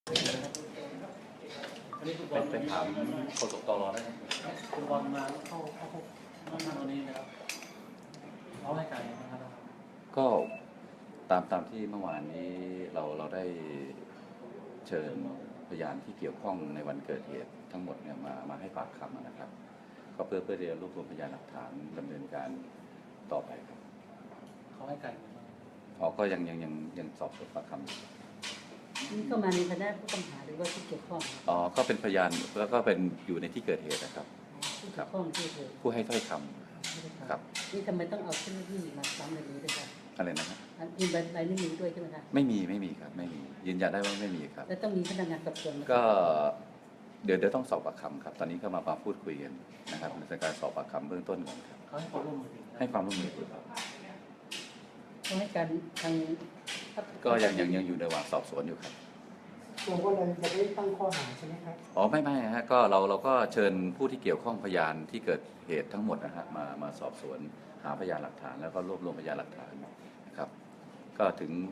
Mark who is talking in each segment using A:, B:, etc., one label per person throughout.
A: อันนี้คุณบอล
B: ไปถามโฆษกตรได้ไหม
A: คุณบอลมาเข้าท่านวันนี้นะครับเขาให้การนะครับ
B: ก็ตามที่เมื่อวานนี้เราได้เชิญพยานที่เกี่ยวข้องในวันเกิดเหตุทั้งหมดเนี่ยมาให้ปากคำนะครับก็เพื่อที่จะรวบรวมพยานหลักฐานดำเนินการต่อไปครับ
A: เขาให้การ
B: ก็ยังสอบสวนปากคำ
C: นี่ก็มาในฐานะผู้ต้องหาหรือว่าที่เกี่ยวข้อง
B: ก็เป็นพยานแล้วก็เป็นอยู่ในที่เกิดเหตุนะครับ
C: ผู้เกี่ยวข้องที่เกิด
B: ผู้ให้ถ้อยคำครับ
C: นี่ทำไมต้องเอาเจ้าหน้าที่มาซ้ำในนี้ด้วยครับ
B: อะไรนะครับ
C: มีใบนิ้วมือด้วยใช่ไหมครับ
B: ไม่มีครับไม่มียืนยันได้ว่าไม่มีครับ
C: แล้วต้องมีพนักงานสอบสวน
B: ก็เดี๋ยวต้องสอบปากคำครับตอนนี้ก็มาพูดคุยกันนะครับในการสอบปากคำเบื้องต้นก่อนครับ
A: เขาให้ความร่วมมือ
B: ครับ
C: เขาให้การทาง
B: ก็ยังอยู่ในระหว่างสอบสวนอยู่ครับ
D: ตัวก็เลยจะได้ตั้งข้อหาใช่ไหมครับ
B: ไม่ฮะก็เราก็เชิญผู้ที่เกี่ยวข้องพยานที่เกิดเหตุทั้งหมดนะฮะมาสอบสวนหาพยานหลักฐานแล้วก็รวบรวมพยานหลักฐานนะครับก็ถึง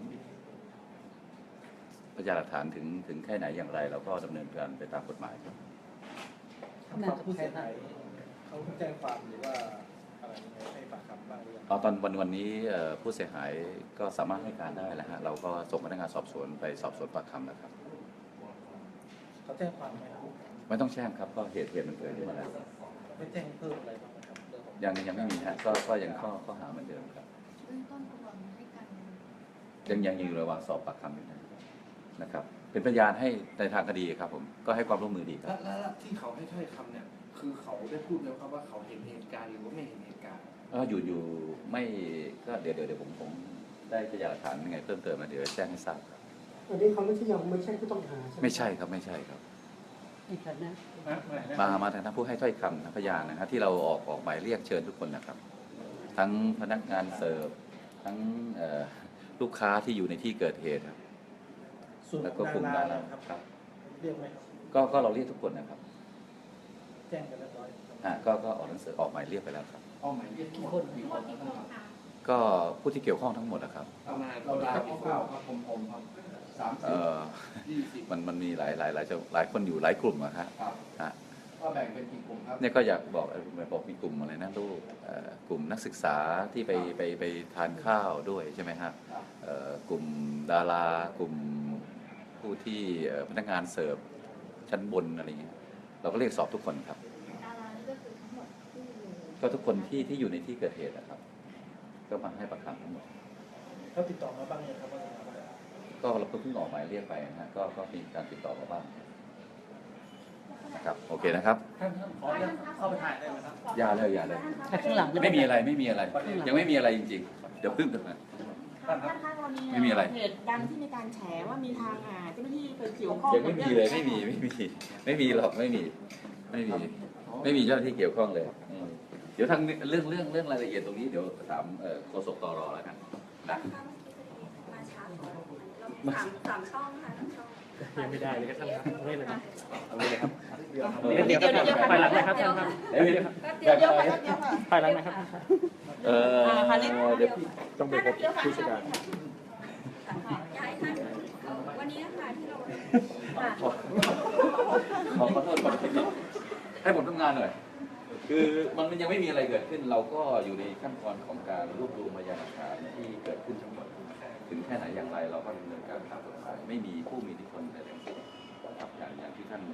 B: พยานหลักฐานถึงแค่ไหนอย่างไรเราก็ดำเนินการไปตามกฎหมายครับ
A: ผู้เสียหายเขาแจ้งความหรือว่าอะไรให้ปากคำบ้างหรือยัง
B: ตอนวันนี้ผู้เสียหายก็สามารถให้การได้แล้วฮะเราก็ส่งพนักงานสอบสวนไปสอบสวนปากคำแล้วครับ
A: เขาแจ้งความไหมครับ
B: ไม่ต้องแจ้งครับก็เหตุมันเกิดขึ้นมาแล้ว
A: ไม่แจ้งเพิ่มอะไรบ้างครับ
B: ยังไม่มีฮะก็ยังข้อหาเหมือนเดิมครับ
E: เบื้องต้นคุณบอลให้การ
B: ยังอยู่ระหว่างสอบปากคำอยู่นะครับเป็นพยานให้ในทางคดีครับผมก็ให้ความร่วมมือดีครับ
A: แล้วที่เขาให้ถ้อยคำเนี่ยคือเขาได้พูดแล้วครับว่าเขาเห็นเหตุการณ์หรือว่าไม่เห็นเหตุการณ์
B: อยู่ไม่ก็เดี๋ยวผมได้พยานหลักฐานยังไงเพิ่มเติมมาเดี๋ยวแจ้งให้ทราบครับ
D: อันนี้เขาไม่ใช่ผู้ต้องหาใช่ไหม
B: ไม่ใช่ครับในฐานะมาทางผู้ให้ถ้อยคำพยานนะครับที่เราออกหมายเรียกเชิญทุกคนนะครับทั้งพนักงานเสิร์ฟทั้งลูกค้าที่อยู่ในที่เกิดเหตุครับแล้วก็กลุ่มดาราครับ
A: เรียกไหม
B: ก็เราเรียกทุกคนนะครับ
A: แจ้งกันเรียบร้อย
B: ก็ออกหนังสือออกหมายเรียกไปแล้วครับ
A: ออกหมายเรียกกี่คน
B: ก็ผู้ที่เกี่ยวข้องทั้งหมดนะครับ
A: ประมาณครับผม
B: 30 มันมีหลายคนอยู่หลายกลุ่มอะครับ
A: ก็แบ่งเป็นกี่กลุ่มครับ
B: เนี่ยก็อยากบอกมีกลุ่มอะไรนะลูกกลุ่มนักศึกษาที่ไปทานข้าวด้วยใช่ไหมครับกลุ่มดารากลุ่มผู้ที่พนักงานเสิร์ฟชั้นบนอะไรเงี้ยเราก็เรียกสอบทุกคนครับ
E: ดารานี่ก็คือทั้งหมดที่
B: ก็ทุกคนที่อยู่ในที่เกิดเหตุนะครับก็มาให้ปากคำทั้งหมด
A: เขาติดต่อมาบ้างยังครับ
B: ก็เราเพิ่งออกหมายเรียกไปนะก็มีการติดต่อมาบ้างนะครับโอเคนะครับ
A: ท่านขอเข้าไปถ่ายได้ไหมครับ
B: อย่าเลย
C: ข้างหลัง
B: ไม่มีอะไรยังไม่มีอะไรจริงๆเดี๋ยวพึ่งกันนะไม่มีอะไร
E: เหตุดังที่มีการแฉว่ามีทางเจ้าหน้าที่ไปเกี่ยวข้อง
B: ยังไม่มีเลยไม่มีหรอกไม่มีเจ้าหน้าที่เกี่ยวข้องเลยเดี๋ยวทางเรื่องรายละเอียดตรงนี้เดี๋ยวถามโฆษกตรแล้วกันนะ
E: สามช่องค่ะ
A: ยังไม่ได้เลยครับท่านครับไม่เลยครับเอาเลยครับ
C: เดี๋ยว
A: ไปหลังนะครับท่านครับ
E: เดี๋ยว
A: ไปหลังนะครับ
B: เดี๋ยว
A: ต้องไปพบผู้จัดการ
E: วันนี้ค่ะที่เรา
B: ขอโทษก่อนให้ผมทำงานหน่อยคือมันยังไม่มีอะไรเกิดขึ้นเราก็อยู่ในขั้นตอนของการรวบรวมพยานหลักฐานที่เกิดขึ้นทั้งหมดถึงแค่ไหนอย่างไรเราก็ดำเนินการตามกฎหมายไม่มีผู้มีอิทธิพลใดทั้งสิ้นครับอย่างที่ท่าน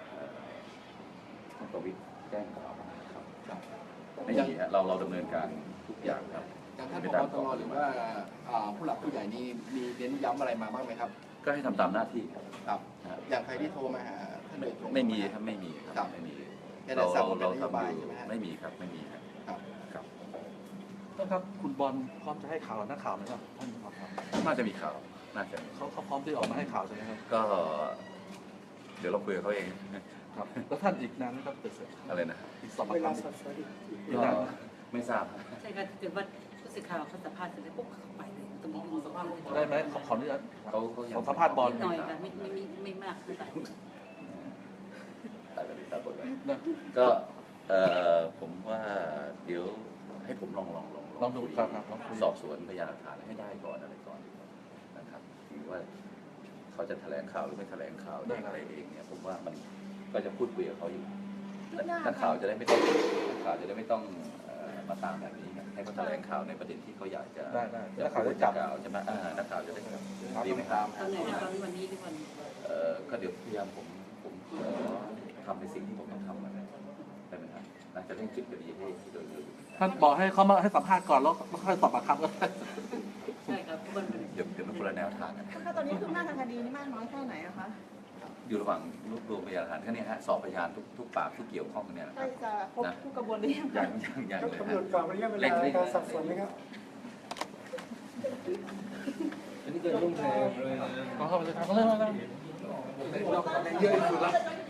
B: ประวิตรแจ้งกับเราครับไม่มีเราดำเนินการทุกอย่างครับ
A: จากท่านผบ.ตรหรือว่าผู้หลักผู้ใหญ่นี่มีเน้นย้ำอะไรมาบ้างไหมครับ
B: ก็ให้ทำตามหน้าที่
A: ครับอย่างใครที่โทรมาหาท่านโดยตรง
B: ไม่มีครับไม่มีเราทำอยู่ไม่มีครับ
A: ต้องครับคุณบอลพร้อมจะให้ข่าวนักข่าวไหมครับท่านครับ
B: น่าจะมีข่าวน่าจะ
A: เขาพร้อมที่ออกมาให้ข่าวใช่ไหมครับ
B: ก็เดี๋ยวเราคุยกับเขาเอง
A: ครับแล้วท่านอีกนานก็เสร็จ
B: อะไรนะ
A: อีกสอบปากคำ
B: ไม่ทราบ
C: ใช่ครับเกิดว่าผู้สื่อข่าวเขาสัมภาษณ์เสร็จแล้วปุ๊บเขาไปเลยตรงนี้
A: สัมภาษณ์ได้ไหมขออนุญาต
B: เขา
A: สัมภาษณ์บอล
C: หน่อยค่ะไม่มากคือ
B: ก็ผมว่าเดี๋ยวให้ผมลอง
A: ดูครับ
B: สอบสวนพยานหลักฐานให้ได้ก่อนอะไรก่อนนะครับถือว่าเขาจะแถลงข่าวหรือไม่แถลงข่าวได้อะไรเองเนี่ยผมว่ามันก็จะพูดคุยกับเขาอยู่นักข่าวจะได้ไม่ต้องมาตามแบบนี้ไงให้เขาแถลงข่าวในประเด็นที่เขาอยากจะ
A: ได้
B: จะ
A: แล้วข่าว
B: พู
A: จะ
B: ด
A: จับ
B: ข่าวใช่ไหมนักข่าวจะได้ดีไหมครับ
C: ตอนไหนนะตอนวันนี้หรือวัน
B: ก็เดี๋ยวพยายามผมขอทำในสิ่งที่ผมต้องทำนะได้ไหมครับน่าจะเร่งปิดคดีให้โดยเร็ว
F: ท่านบอกให้เขามาให้สัมภาษณ์ก่อนแล้วค่อยสอบปากคำก็ได้
C: ใช่ครับวัน
B: เดี๋ยวมันคนละแนวทางกัน
E: ถ้าตอนนี้คืบหน้าทางคดีนี่มากน้อยแค่ไหนอะคะ
B: อยู่ระหว่างรวบรวมพยานหลักฐานแค่นี้ฮะสอบพยานทุกปากที่เกี่ยวข้องกันเนี่ยนะ
E: ใก
B: ค
E: ล้
B: รับ
E: จะครบทุกกระบวนหรือยังคะ
B: ยัง
D: ก็
B: เลย
D: กำหน
B: ฮะ
D: ดกรอบระยะเวลาการสอบสวนไหมครับ
A: อันนี้เกิดร่วมแชร์เลยนะ
F: ขอเข้าไปเลยครับเริ่มแล้ว
A: นอกจากเยอะที่สุดแล้ว